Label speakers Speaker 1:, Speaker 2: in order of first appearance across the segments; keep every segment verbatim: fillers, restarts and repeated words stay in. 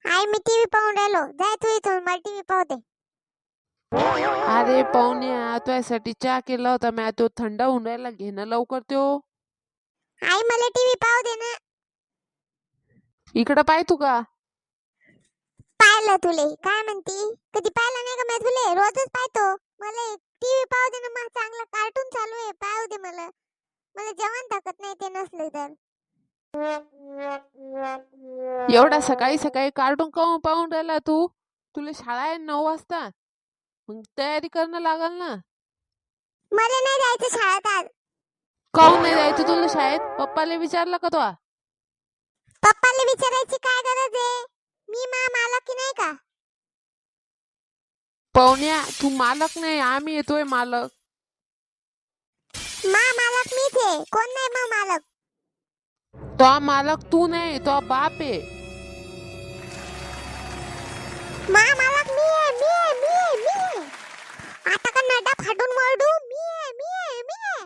Speaker 1: आई मी TV पाहून राहिलो. जाय तू इथून, मला टीव्ही पाहू दे.
Speaker 2: अरे पाहुण्या, तुझ्यासाठी चहा केला होता मी, तो थंड होऊन राहिला, घेणं लवकर त्यो.
Speaker 1: आई मला टीव्ही पाहू दे ना.
Speaker 2: इकडं पाय तू का.
Speaker 1: पाहिलं तुले काय म्हणती? कधी पाहिलं नाही का मी तुले? रोजच पाहतो. मला टीव्ही पाहू दे ना, मग चांगलं कार्टून चालू आहे, पाहू दे मला. मला जेवण टाकत नाही ते नसले तर.
Speaker 2: एवढा सकाळी सकाळी कार्टून काऊन पाहून राहिला तू? तुला शाळा आहे नऊ वाजता, मग तयारी करणं लागल ना.
Speaker 1: मला नाही जायचं शाळेत आज.
Speaker 2: काऊन नाही जायचं तुला शाळेत? पप्पाला विचारलं का तो?
Speaker 1: पप्पाला विचारायची काय गरज आहे? मी मा मालक की नाही का?
Speaker 2: पाहुण्या, तू मालक नाही, आम्ही येतोय मालक.
Speaker 1: मा मालक मीच आहे, कोण नाही मा मालक.
Speaker 2: तो मालक तू नाही, तो बाप आहे.
Speaker 1: मा मालक मी आहे, मी आहे, मी आहे, मी आहे. आता का नडा फाडून मरडू? मी आहे, मी आहे, मी आहे.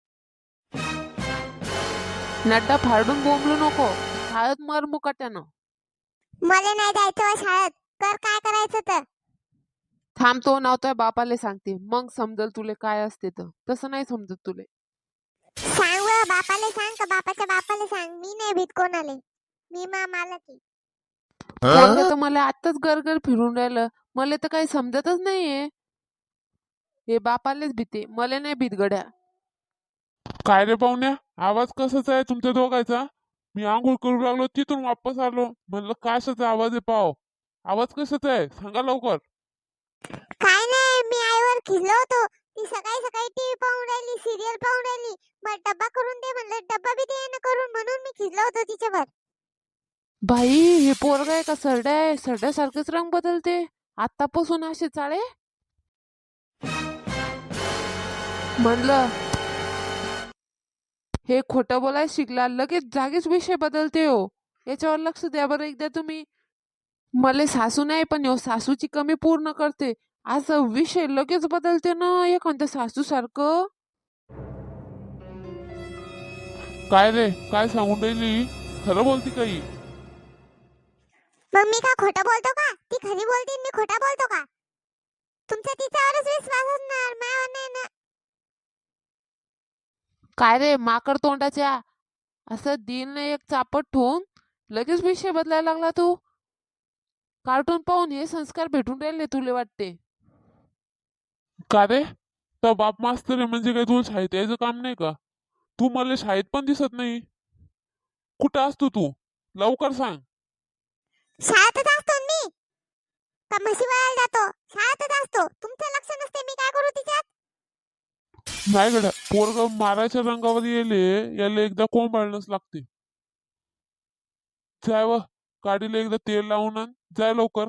Speaker 2: नड्डा फाडून बोंबलू नको, शाळेत मर मुकाट्यानं.
Speaker 1: मला नाही जायचं शाळेत. कर काय करायचं तर.
Speaker 2: थांबतो नव्हतोय बापाले सांगते, मग समजल तुले काय असते तर. तसं नाही समजत तुले.
Speaker 1: सांग बरं, बापाले सांग का बापाच्या बापाले सांग. मी नाही भीत कोणाले. मी मा मालक आहे.
Speaker 2: पोरगं तर मला आत्ताच गरगर फिरून राहिलं, मला तर काही समजतच नाहीये. हे बापालेच भीते, मला नाही भीत गड्या.
Speaker 3: काय रे पाहुण्या, आवाज कसाच आहे तुमच्या दोघांचा? मी आंघोळ करू लागलो, तिथून वापस आलो, म्हणलं कशाचा आवाज आहे पाव. आवाज कशाचा आहे सांगा लवकर.
Speaker 1: काय नाही, मी आईवर खिजलो होतो. ती सकाळी सकाळी टीव्ही पाहून राहिली, सिरियल पाहून राहिली. मग डब्बा करून दे म्हणलं, डब्बा बी दे ना करून, म्हणून मी खिजलो होतो तिच्यावर.
Speaker 2: बाई, हे पोरग आहे का सरड्या आहे? सरड्यासारखेच रंग बदलते आतापासून असे चाळे. म्हणलं हे खोटं बोलाय शिकला, लगेच जागीच विषय बदलते हो. याच्यावर लक्ष द्या बरं एकदा तुम्ही. मले सासू नाही, पण हो सासूची कमी पूर्ण करते. असं विषय लगेच बदलते ना एखाद्या सासू सारखं.
Speaker 3: काय रे, काय सांगून राहिली? खरं बोलती काही?
Speaker 1: मग मी का खोटं बोलतो का? ती खरी बोलते, मी खोटा बोलतो का? तुमचा तिच्यावरच विश्वास असणार, माझ्यावर नाही ना.
Speaker 2: काय रे माकड तोंडाच्या, असं दिन एक चापट ठेवून लगेच विषय बदलायला लागला तू. कार्टून पाहून हे संस्कार भेटून राहिले तुले वाटते?
Speaker 3: का रे, तर बाप मास्तर आहे म्हणजे काय तुला शाळेत यायचं काम नाही का? तू मला शाळेत पण दिसत नाही. कुठं असतो तू? लवकर सांग.
Speaker 1: शाळेतच असतो ना मी. का म्हशी वळायला जातो? शाळेतच असतो. तुमचं लक्ष नसते, मी काय करू तिच्यात?
Speaker 3: नाही गड्या, पोरग मारायच्या रंगावर येले, याला एकदा कोंबाळणंच लागते. जाय व गाडीला एकदा तेल लावून आण, जाय लवकर.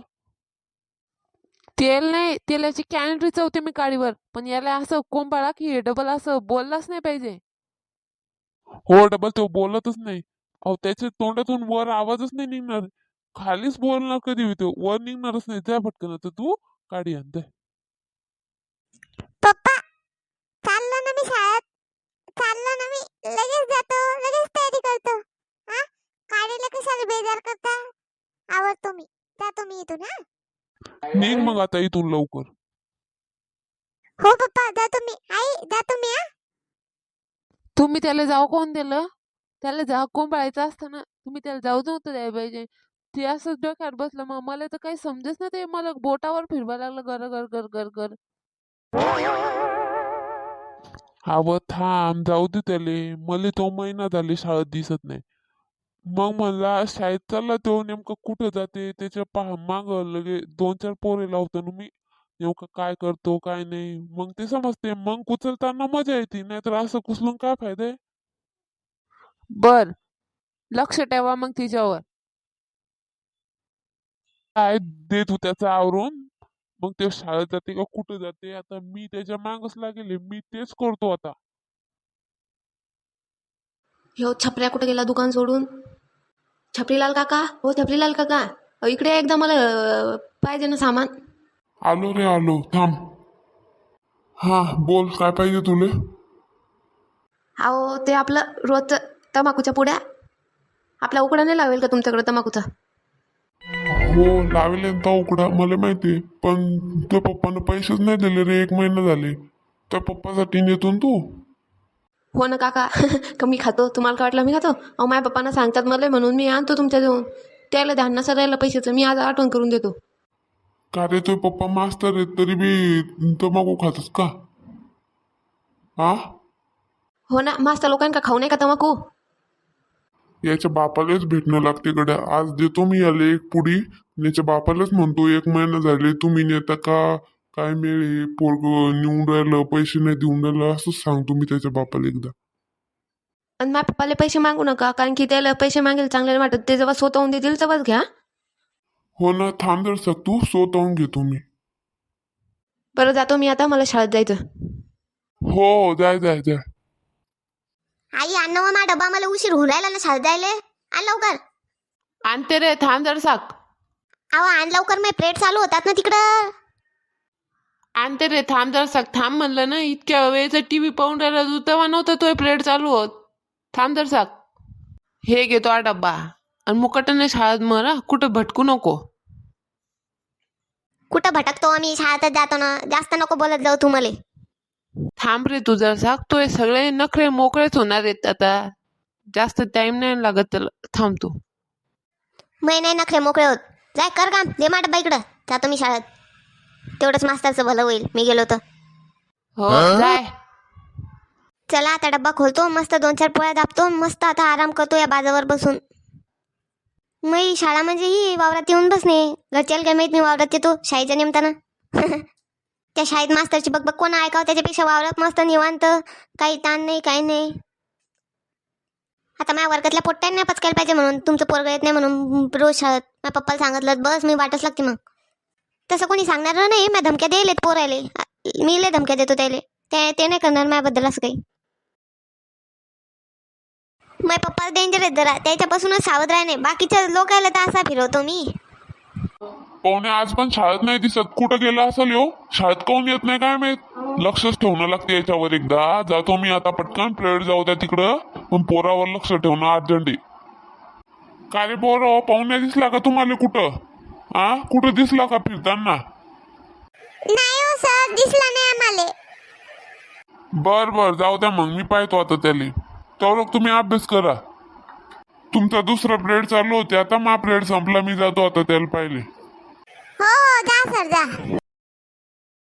Speaker 2: तेल नाही, तेलाची कॅन रिचवते मी गाडीवर, पण याला असं कोंबाळा की डबल असं बोललाच नाही पाहिजे.
Speaker 3: हो, डबल तो बोलतच नाही. अहो त्याच्या तोंडातून वर आवाजच नाही निघणार. खालीच बोलणार कधी होतो, वर निघणारच नाही. जाय पटकन, आता तू गाडी आण जाय.
Speaker 1: पप्पा, चाललो ना मी शाळेत. चाललो ना मी. लगेच जातो, लगेच तयारी करतो. हा, गाडीला कशाला बेजार करता? आवडतो मी. जातो मी इथून. हा,
Speaker 3: निघ मग आता इथून लवकर.
Speaker 1: हो पप्पा, जातो मी. आई, जातो मी. हा,
Speaker 2: तुम्ही त्याला जाऊ कोण दिलं? त्याला जाऊ कोंबाळायचं असतं ना, तुम्ही त्याला जाऊ नव्हतं द्यायला पाहिजे. ते असंच डोक्यात बसलं, मग मला तर काही समजच ना. ते मला बोटावर फिरवायला लागलं, गर गर गर गर गर.
Speaker 3: अव थांब, जाऊ दे त्याले. मला तो महिना झाले शाळेत दिसत नाही. मग म्हणला शाळेत चालला तो, नेमकं कुठं जाते त्याच्या पहा माग लगे दोन चार पोरे लावतो ना मी, नेमकं काय करतो काय नाही, मग ते समजते. मग कुचलताना मजा येते, नाहीतर असं कुचलून काय फायदा आहे?
Speaker 2: बर, लक्ष ठेवा मग तिच्यावर.
Speaker 3: काय देत हो त्याचं आवरून. मग ते शाळेत जाते का कुठं जाते, आता मी त्याच्या मागच लागेल, मी तेच करतो आता.
Speaker 4: ह्यो छपऱ्या कुठे गेला दुकान सोडून? छपरीलाल काका, हो छपरीलाल काका, अहो, इकडे या एकदा, मला अं, पाहिजे ना सामान.
Speaker 3: आलो रे आलो, थांब. हा बोल, काय पाहिजे तुले?
Speaker 4: अहो ते आपलं रोजचं तंबाखूच्या पुड्या. आपला उकडा नाही लावेल का तुमच्याकडे तंबाखूचा?
Speaker 3: हो लावले तो उकडा मला माहिती, पण त्या पप्पानं पैसेच नाही दिले रे, एक महिना झाले. त्या पप्पासाठी नेतो ना तू.
Speaker 4: हो ना काका. कमी खातो, तुम्हाला काय वाटलं मी खातो? अहो माझ्या पप्पांना सांगतात मला म्हणून मी आणतो तुमच्या जवळ. त्याला ध्यान नसं राहिलं पैशाचं, मी आज आठवण करून देतो.
Speaker 3: का रे तुझे पप्पा मास्तर आहेत तरी बी तंबाखू खातस का? हा
Speaker 4: हो ना, मास्तर लोकांना खाऊ नये का तंबाखू?
Speaker 3: याच्या बापालाच भेटणं लागते गड्या. आज देतो मी याला एक पुडी, आणि याच्या बापालाच म्हणतो एक महिना झाले तुम्ही नेता का काय मिळे, पोरग नेऊन राहिलं पैसे नाही देऊन राहिलं, असंच सांगतो मी त्याच्या बापाला एकदा.
Speaker 4: आणि माझ्या पप्पाला पैसे मागू नका, कारण की त्याला पैसे मागेल चांगले नाही वाटत. ते जेव्हा स्वतःहून देतील तेव्हाच घ्या.
Speaker 3: हो ना, थांब जर सक तू स्वतःहून घेतो मी.
Speaker 4: बरं जातो मी आता, मला शाळेत जायचं.
Speaker 3: हो जाय जाय जाय.
Speaker 1: आई अन्न व मा डबा, मला उशीर होऊन राहिला ना शाळेत जायले. आण लवकर.
Speaker 2: आणते रे, थांब जर साक.
Speaker 1: अहो आण लवकर, मी प्लेट चालू होतात ना तिकडं.
Speaker 2: आणते रे, थांब जर साक. थांब म्हणलं ना, इतक्या वेळेचा टीव्ही पाहून राहिला तू, तेव्हा नव्हता तो प्लेट चालू होत. थांब जर साक. हे घेतो हा डब्बा, आणि मुकटाने शाळेत मरा, कुठं भटकू नको.
Speaker 1: कुठं भटकतो आम्ही, शाळेतच जातो ना. जास्त नको बोलत जाऊ तू मले.
Speaker 2: थांब रे तू जर साक. तो हे सगळे नखरे मोकळेच होणार आहेत आता, जास्त टाइम नाही लागत त्याला. थांब तू.
Speaker 1: मै नाही नखरे मोकळे होत. जाय कर काम, दे मा डब्बा इकडं. जातो मी शाळेत. तेवढंच मास्तरचं भलं होईल, मी गेलो तर.
Speaker 2: हो जाय.
Speaker 1: चला आता डब्बा खोलतो, मस्त दोन चार पोळ्या दाबतो, मस्त आता आराम करतो या बाजावर बसून. मी शाळा म्हणजे ही वावरात येऊन बसणे. घरच्याला काय माहित मी वावरात येतो शाळेच्या निमतानं. त्या शाळेत मास्तरची बकबक कोण ऐकावं, त्याच्यापेक्षा वावरात मस्त निवांत, काही ताण नाही काही नाही. आता माझ्या वर्गातल्या पोट्ट्याने नाही पचकायला पाहिजे म्हणून, तुमचं पोरगं येत नाही म्हणून रोज शाळेत माझ्या पप्पाला सांगितलं बस मी वाटच लागते. मग तसं कोणी सांगणार नाही, मी धमक्या द्यायलेत पोरायले. मी लय धमक्या देतो त्याले, ते ते नाही करणार माझ्याबद्दल असं काही. माझ्या पप्पा डेंजर आहेत जरा, त्याच्यापासूनच सावध राहणे. बाकीच्या लोकांना तर असा फिरवतो मी.
Speaker 3: पाहुणे आज पण शाळेत नाही दिसत, कुठं गेला असेल यो? शाळेत कोण येत नाही काय माहित. लक्षच ठेवणं लागते याच्यावर एकदा. जातो मी आता पटकन, प्लेट जाऊ द्या तिकडं, पण पोरावर लक्ष ठेवणं अर्जंट आहे. का रे पोरं, पाहुण्या दिसला का तुम्हाला कुठं? हा कुठं दिसला का फिरताना?
Speaker 1: नाही हो सर, दिसला नाही आम्हाला.
Speaker 3: बर बर जाऊ द्या मग, मी पाहतो आता त्याला. तेवढं तुम्ही अभ्यास करा. तुमचा दुसरा प्लेट चालू होते आता, मा प्लेट संपला, मी जातो आता त्याला पाहिले.
Speaker 1: हो हो जा सर जा.